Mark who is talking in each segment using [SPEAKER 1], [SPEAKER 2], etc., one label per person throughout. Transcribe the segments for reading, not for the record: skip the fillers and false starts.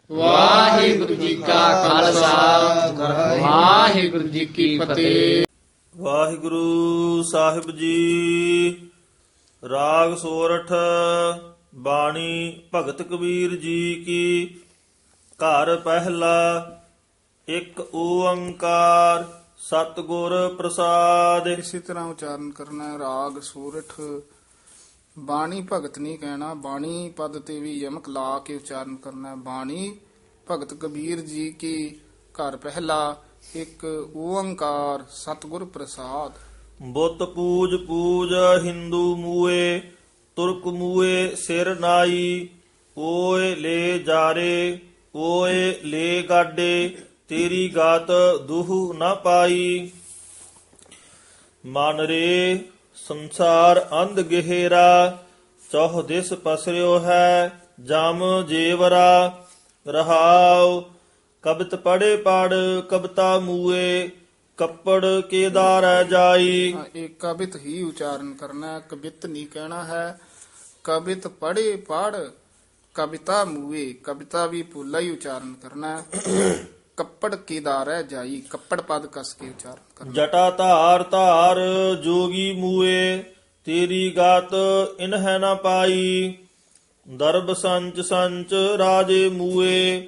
[SPEAKER 1] ਵਾਹਿਗੁਰੂ ਜੀ ਕਾ ਖਾਲਸਾ ਵਾਹਿਗੁਰੂ ਜੀ ਕੀ ਫਤਿਹ।
[SPEAKER 2] ਵਾਹਿਗੁਰੂ ਸਾਹਿਬ ਜੀ। ਰਾਗ ਸੋਰਠ। ਬਾਣੀ ਭਗਤ ਕਬੀਰ ਜੀ ਕੀ। ਘਰ ਪਹਿਲਾ। ਇੱਕ ਓੰਕਾਰ ਸਤਿਗੁਰ ਪ੍ਰਸਾਦ।
[SPEAKER 3] ਇਸੇ ਤਰ੍ਹਾਂ ਉਚਾਰਨ ਕਰਨਾ ਹੈ। ਰਾਗ ਸੂਰਠ। ਬਾਣੀ ਭਗਤ ਨਹੀਂ ਕਹਿਣਾ, ਬਾਣੀ ਪਦ ਤੇ ਵੀ ਯਮਕ ਲਾ ਕੇ ਉਚਾਰਨ ਕਰਨਾ ਹੈ। ਬਾਣੀ ਭਗਤ ਕਬੀਰ ਜੀ ਕੀ। ਘਰ ਪਹਿਲਾ। ਇੱਕ ਓੰਕਾਰ ਸਤਿਗੁਰ ਪ੍ਰਸਾਦ।
[SPEAKER 2] ਬੁੱਤ ਪੂਜ ਪੂਜ ਹਿੰਦੂ ਮੂਏ, ਤੁਰਕ ਮੂਏ ਸਿਰ ਨਾਈ। ਓਏ ਲੈ ਜਾਰੇ, ਓਏ ਲੈ ਗਾਡੇ, ਤੇਰੀ ਗਾਤ ਦੁਹ ਨਾ ਪਾਈ। ਮਨ ਰੇ ਸੰਸਾਰ ਅੰਧ ਗਹਿਰਾ, ਚੌਹ ਦਿਸ ਪਸਰਿਓ ਹੈ ਜਮ ਜੇਵਰਾ। ਰਹਾਉ ਕਬਿਤ ਪੜੇ ਪੜ ਕਬਤਾ ਮੂਏ, ਕੱਪੜ ਕੇਦਾਰ ਜਾਈ।
[SPEAKER 3] ਇਹ ਕਬਿਤ ਹੀ ਉਚਾਰਨ ਕਰਨਾ ਹੈ, ਕਬਿਤ ਨਹੀਂ ਕਹਿਣਾ ਹੈ। ਕਬਿਤ ਪੜੇ ਪੜ ਕਵਿਤਾ ਮੂਏ, ਕਵਿਤਾ ਵੀ ਪੂਲਾ ਹੀ ਉਚਾਰਨ ਕਰਨਾ ਹੈ। ਕੱਪੜ ਕੀਦਾਰ ਹੈ ਜਾਈ, ਕੱਪੜ ਪਦ ਕਸ ਕੇ ਉਚਾਰਨ ਕਰਨਾ।
[SPEAKER 2] ਜਟਾ ਧਾਰ ਧਾਰ ਜੋਗੀ ਮੂਏ, ਤੇਰੀ ਗਾਤ ਇਨਹਿ ਨਾ ਪਾਈ। ਦਰਬ ਸੰਚ ਸੰਚ ਰਾਜੇ ਮੂਏ,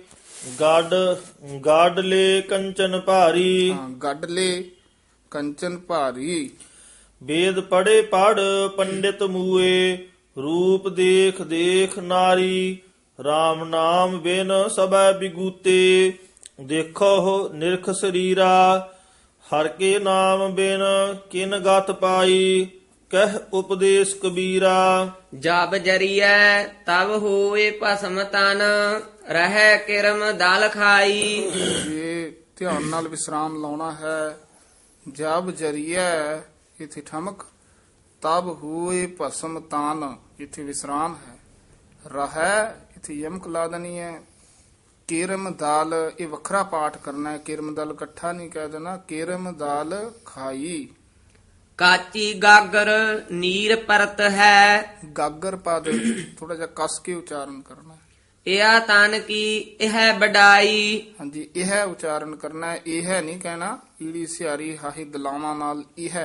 [SPEAKER 2] ਗਾਡ ਲੈ ਕੰਚਨ ਭਾਰੀ।
[SPEAKER 3] ਗੱਡ ਲੇ ਕੰਚਨ ਭਾਰੀ।
[SPEAKER 2] ਵੇਦ ਪੜੇ ਪੜ ਪੰਡਿਤ ਮੂਏ, ਰੂਪ ਦੇਖ ਦੇਖ ਨਾਰੀ। RAM ਨਾਮ ਬਿਨ ਸਭੈ ਬਿਗੂਤੇ, ਦੇਖੋ ਨਿਰਖ ਸਰੀਰਾ। ਹਰ ਕੇ ਨਾਮ ਬਿਨ ਕਿਨ ਗਤ ਪਾਈ, ਕਹਿ ਉਪਦੇਸ਼ ਕਬੀਰਾ।
[SPEAKER 4] ਜਬ ਜਰੀਐ ਤਬ ਹੋਏ ਭਸਮ ਤਨ, ਰਹਿ ਕਿਰਮ ਦਲ ਖਾਈ।
[SPEAKER 3] ਇਹ ਧਿਆਨ ਨਾਲ ਵਿਸਰਾਮ ਲਾਉਣਾ ਹੈ। ਜਬ ਜਰੀਐ ਇਥੇ ਠਮਕ, ਤਬ ਹੋਏ ਭਸਮ ਤਾਨ ਇਥੇ ਵਿਸਰਾਮ ਹੈ। ਰਹਿ ਇਥੇ ਯਮਕ ਲਾ ਦੇਣੀ ਹੈ। ਕਿਰਮ ਦਾਲ ਇਹ ਵੱਖਰਾ ਪਾਠ ਕਰਨਾ ਹੈ। ਕਿਰਮ ਦਲ ਇਕੱਠਾ ਨਹੀਂ ਕਹਿ ਦੇਣਾ। ਕਿਰਮ ਦਾਲ ਖਾਈ।
[SPEAKER 4] ਕਾਚੀ ਗਾਗਰ ਨੀਰ ਪਰਤ ਹੈ,
[SPEAKER 3] ਗਾਗਰ ਪਦ ਥੋੜਾ ਜਿਹਾ ਕਸ ਕੇ ਉਚਾਰਨ ਕਰਨਾ ਹੈ।
[SPEAKER 4] ਇਹਾ ਤਨ ਕੀ ਇਹ ਬਡਾਈ।
[SPEAKER 3] ਹਾਂਜੀ, ਇਹ ਉਚਾਰਨ ਕਰਨਾ ਹੈ। ਇਹ ਨਹੀਂ ਕਹਿਣਾ। ਈੜੀ ਸਿਆਰੀ ਹਾਹੀ ਦਲਾਵਾਂ ਨਾਲ ਇਹ।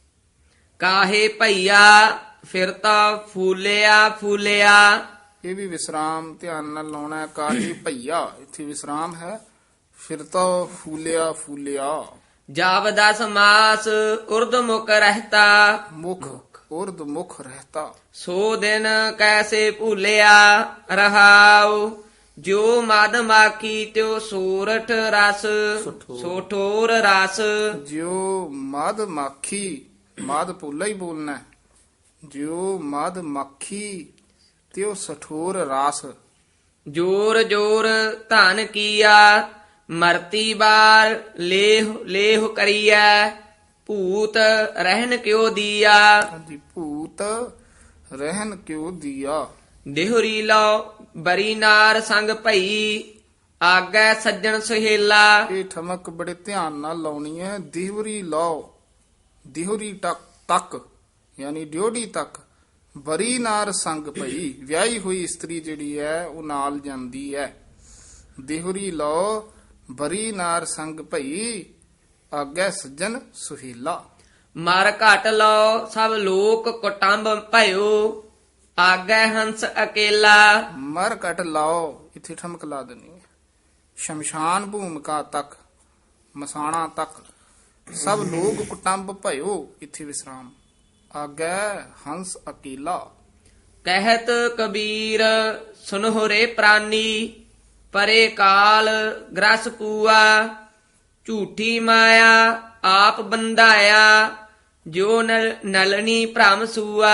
[SPEAKER 4] ਕਾਹੇ ਭਈਆ ਫਿਰਤਾ ਫੂਲਿਆ ਫੂਲਿਆ।
[SPEAKER 3] ਇਹ ਵੀ ਵਿਸਰਾਮ ਧਿਆਨ ਨਾਲ ਲਾਉਣਾ ਹੈ। ਕਾਹੀ ਭਈਆ ਇੱਥੇ ਵਿਸਰਾਮ ਹੈ। ਫਿਰ ਤਾਂ ਫੂਲਿਆ ਫੂਲਿਆ।
[SPEAKER 4] ਜਬ 10 ਮਾਸ ਉਰਦ ਮੁਕ ਰਹਤਾ,
[SPEAKER 3] ਮੁਖ ਉਰਦ ਮੁਖ ਰਹਤਾ।
[SPEAKER 4] ਸੋ ਦਿਨ ਕੈਸੇ ਭੂਲਿਆ। ਰਹਾਉ ਜੋ ਮਦ ਮਾਖੀ ਤਿਉ ਸੂਰਠ ਰਸ, ਸੋਠੋਰ ਰਸ।
[SPEAKER 3] ਜਿਉ ਮਦ ਮਾਖੀ, ਮਦ ਪੂਲਾ ਹੀ ਬੋਲਣਾ ਹੈ। ਜਿਉ ਮਦ ਮਾਖੀ ਤਿਉ ਸਠੋਰ ਰਸ।
[SPEAKER 4] ਜੋਰ ਜੋਰ ਧਨ ਕੀਆ, ਮਰਤੀ ਬਾਰ ਲੇਹ ਲੇਹ ਕਰੀਐ। ਭੂਤ ਰਹਿਨ ਕਿਉ ਦੀਆ,
[SPEAKER 3] ਹਾਂਜੀ, ਭੂਤ ਰਹਿਨ ਕਿਉ ਦੀਆ।
[SPEAKER 4] ਦੇਹੁਰੀ ਲਓ ਬਰੀ ਨਾਰ ਸੰਗ ਭਈ, ਆਗੈ ਸੱਜਣ ਸੁਹੇਲਾ।
[SPEAKER 3] ਇਹ ਠਮਕ ਬੜੇ ਧਿਆਨ ਨਾਲ ਲਾਉਣੀ ਹੈ। ਦਿਹਰੀ ਲਾਓ, ਦਿਹਰੀ ਤੱਕ ਯਾਨੀ ਡਿਓੜੀ ਤੱਕ। ਬਰੀ ਨਾਰ ਸੰਗ ਭਈ, ਵਿਆਹੀ ਹੋਈ ਇਸਤਰੀ ਜਿਹੜੀ ਹੈ ਉਹ ਨਾਲ ਜਾਂਦੀ ਹੈ। ਦਿਹਰੀ ਲਾਓ ਬਰੀ ਨਾਰ ਸੰਗ ਭਈ, ਆਗੈ ਸੱਜਣ ਸੁਹੇਲਾ।
[SPEAKER 4] ਮਰ ਘਟ ਲਓ ਸਭ ਲੋਕ ਕੁਟੰਬ ਭਇਓ, ਆਗੈ ਹੰਸ ਅਕੇਲਾ।
[SPEAKER 3] ਮਰ ਕਟ ਲਾਓ ਇੱਥੇ ਠਮਕ ਲਾ ਦੇਣੀ ਹੈ। ਸ਼ਮਸ਼ਾਨ ਭੂਮਿਕਾ ਤੱਕ, ਮਸਾਣਾ ਤੱਕ। ਸਭ ਲੋਕ ਕੁਟੰਬ ਭਇਓ ਇੱਥੇ ਵਿਸਰਾਮ। ਆਗੈ ਹੰਸ ਅਕੇਲਾ।
[SPEAKER 4] ਕਹਿਤ ਕਬੀਰ ਸੁਨਹੁ ਰੇ ਪ੍ਰਾਨੀ, ਪਰੇ ਕਾਲ ਗ੍ਰਸ ਪੂਆ। ਝੂਠੀ ਮਾਇਆ ਆਪ ਬੰਧਾਇਆ, ਜੋ ਨਲਨੀ ਭ੍ਰਮ ਸੂਆ।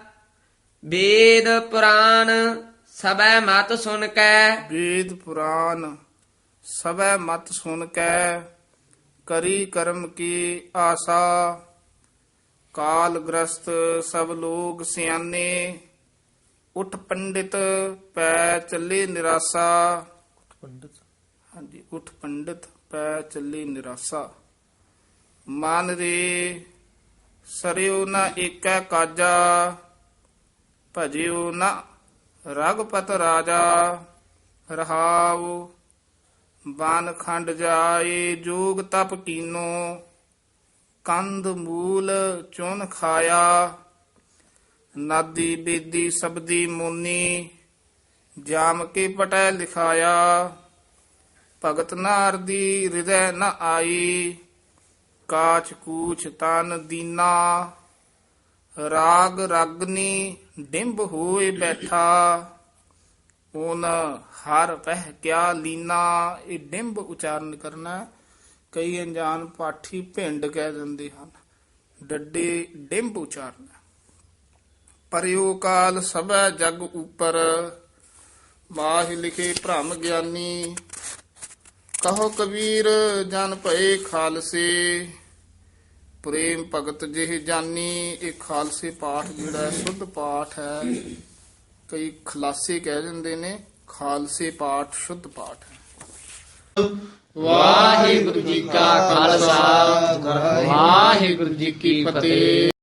[SPEAKER 4] ਵੇਦ ਪੁਰਾਨ ਸਭੈ ਮਤ ਸੁਨ ਕੈ,
[SPEAKER 3] ਵੇਦ ਪੁਰਾਨ ਸਭੈ ਮਤ ਸੁਨ ਕੈ। ਕਰੀ ਕਰਮ ਕੀ ਆਸਾ, ਕਾਲ ਗ੍ਰਸਤ ਸਭ ਲੋਗ ਸਿਆਨੇ। ਉਠ ਪੰਡਿਤ ਪੈ ਚੱਲੇ ਨਿਰਾਸਾ। ਹਾਂਜੀ, ਉਠ ਪੰਡਿਤ ਪੈ ਚੱਲੇ ਨਿਰਾਸਾ। ਮਨ ਰੇ ਸਰਿਓ ਨਾ ਏਕੈ ਕਾਜਾ, ਭਜਿਓ ਨਾ ਰਗਪਤ ਰਾਜਾ। ਰਹਾਉ ਬਨ ਖੰਡ ਜਾਏ ਜੋਗ ਤਪ ਕੀਨੋ ਕੰਦ ਮੂਲ ਚੁਨ ਖਾਇਆ ਨਾਦੀ ਬੇਦੀ ਸਬਦੀ ਮੁਨੀ ਜਾਮ ਕੇ ਪਟੈ ਲਿਖਾਇਆ ਭਗਤ ਨਾਰ ਦੀ ਹਿਰਦੈ ਨ ਆਈ ਕਾਛ ਕੂਛ ਤਨ ਦੀਨਾ ਰਾਗ ਰਾਗਨੀ ਡਿੰਬ ਹੋਏ ਬੈਠਾ ਓਨ ਹਰ ਪਹਿ ਕਿਆ ਲੀਨਾ। ਇਹ ਡਿੰਬ ਉਚਾਰਨ ਕਰਨਾ। ਕਈ ਅਣਜਾਣ ਪਾਠੀ ਭਿੰਡ ਕਹਿ ਦਿੰਦੇ ਹਨ, ਡੱਡੇ ਡਿੰਬ ਉਚਾਰਨ। ਪਰਿਓ ਕਾਲ ਸਭੈ ਜਗ ਉਪਰ ਮਾਹਿ ਲਿਖੇ ਭ੍ਰਮ ਗਿਆਨੀ ਕਹੋ ਕਬੀਰ ਜਨ ਭਏ ਖਾਲਸੇ ਪ੍ਰੇਮ ਭਗਤ ਜਿਹ ਜਾਨੀ। ਇਹ ਖਾਲਸੇ ਪਾਠ ਜਿਹੜਾ ਹੈ ਸ਼ੁੱਧ ਪਾਠ ਹੈ। ਕਈ ਖਲਾਸੇ ਕਹਿ ਦਿੰਦੇ ਨੇ, ਖਾਲਸੇ ਪਾਠ ਸ਼ੁੱਧ ਪਾਠ ਹੈ।
[SPEAKER 1] ਵਾਹਿਗੁਰੂ ਜੀ ਕਾ ਖਾਲਸਾ ਵਾਹਿਗੁਰੂ ਜੀ ਕੀ ਫਤਿਹ।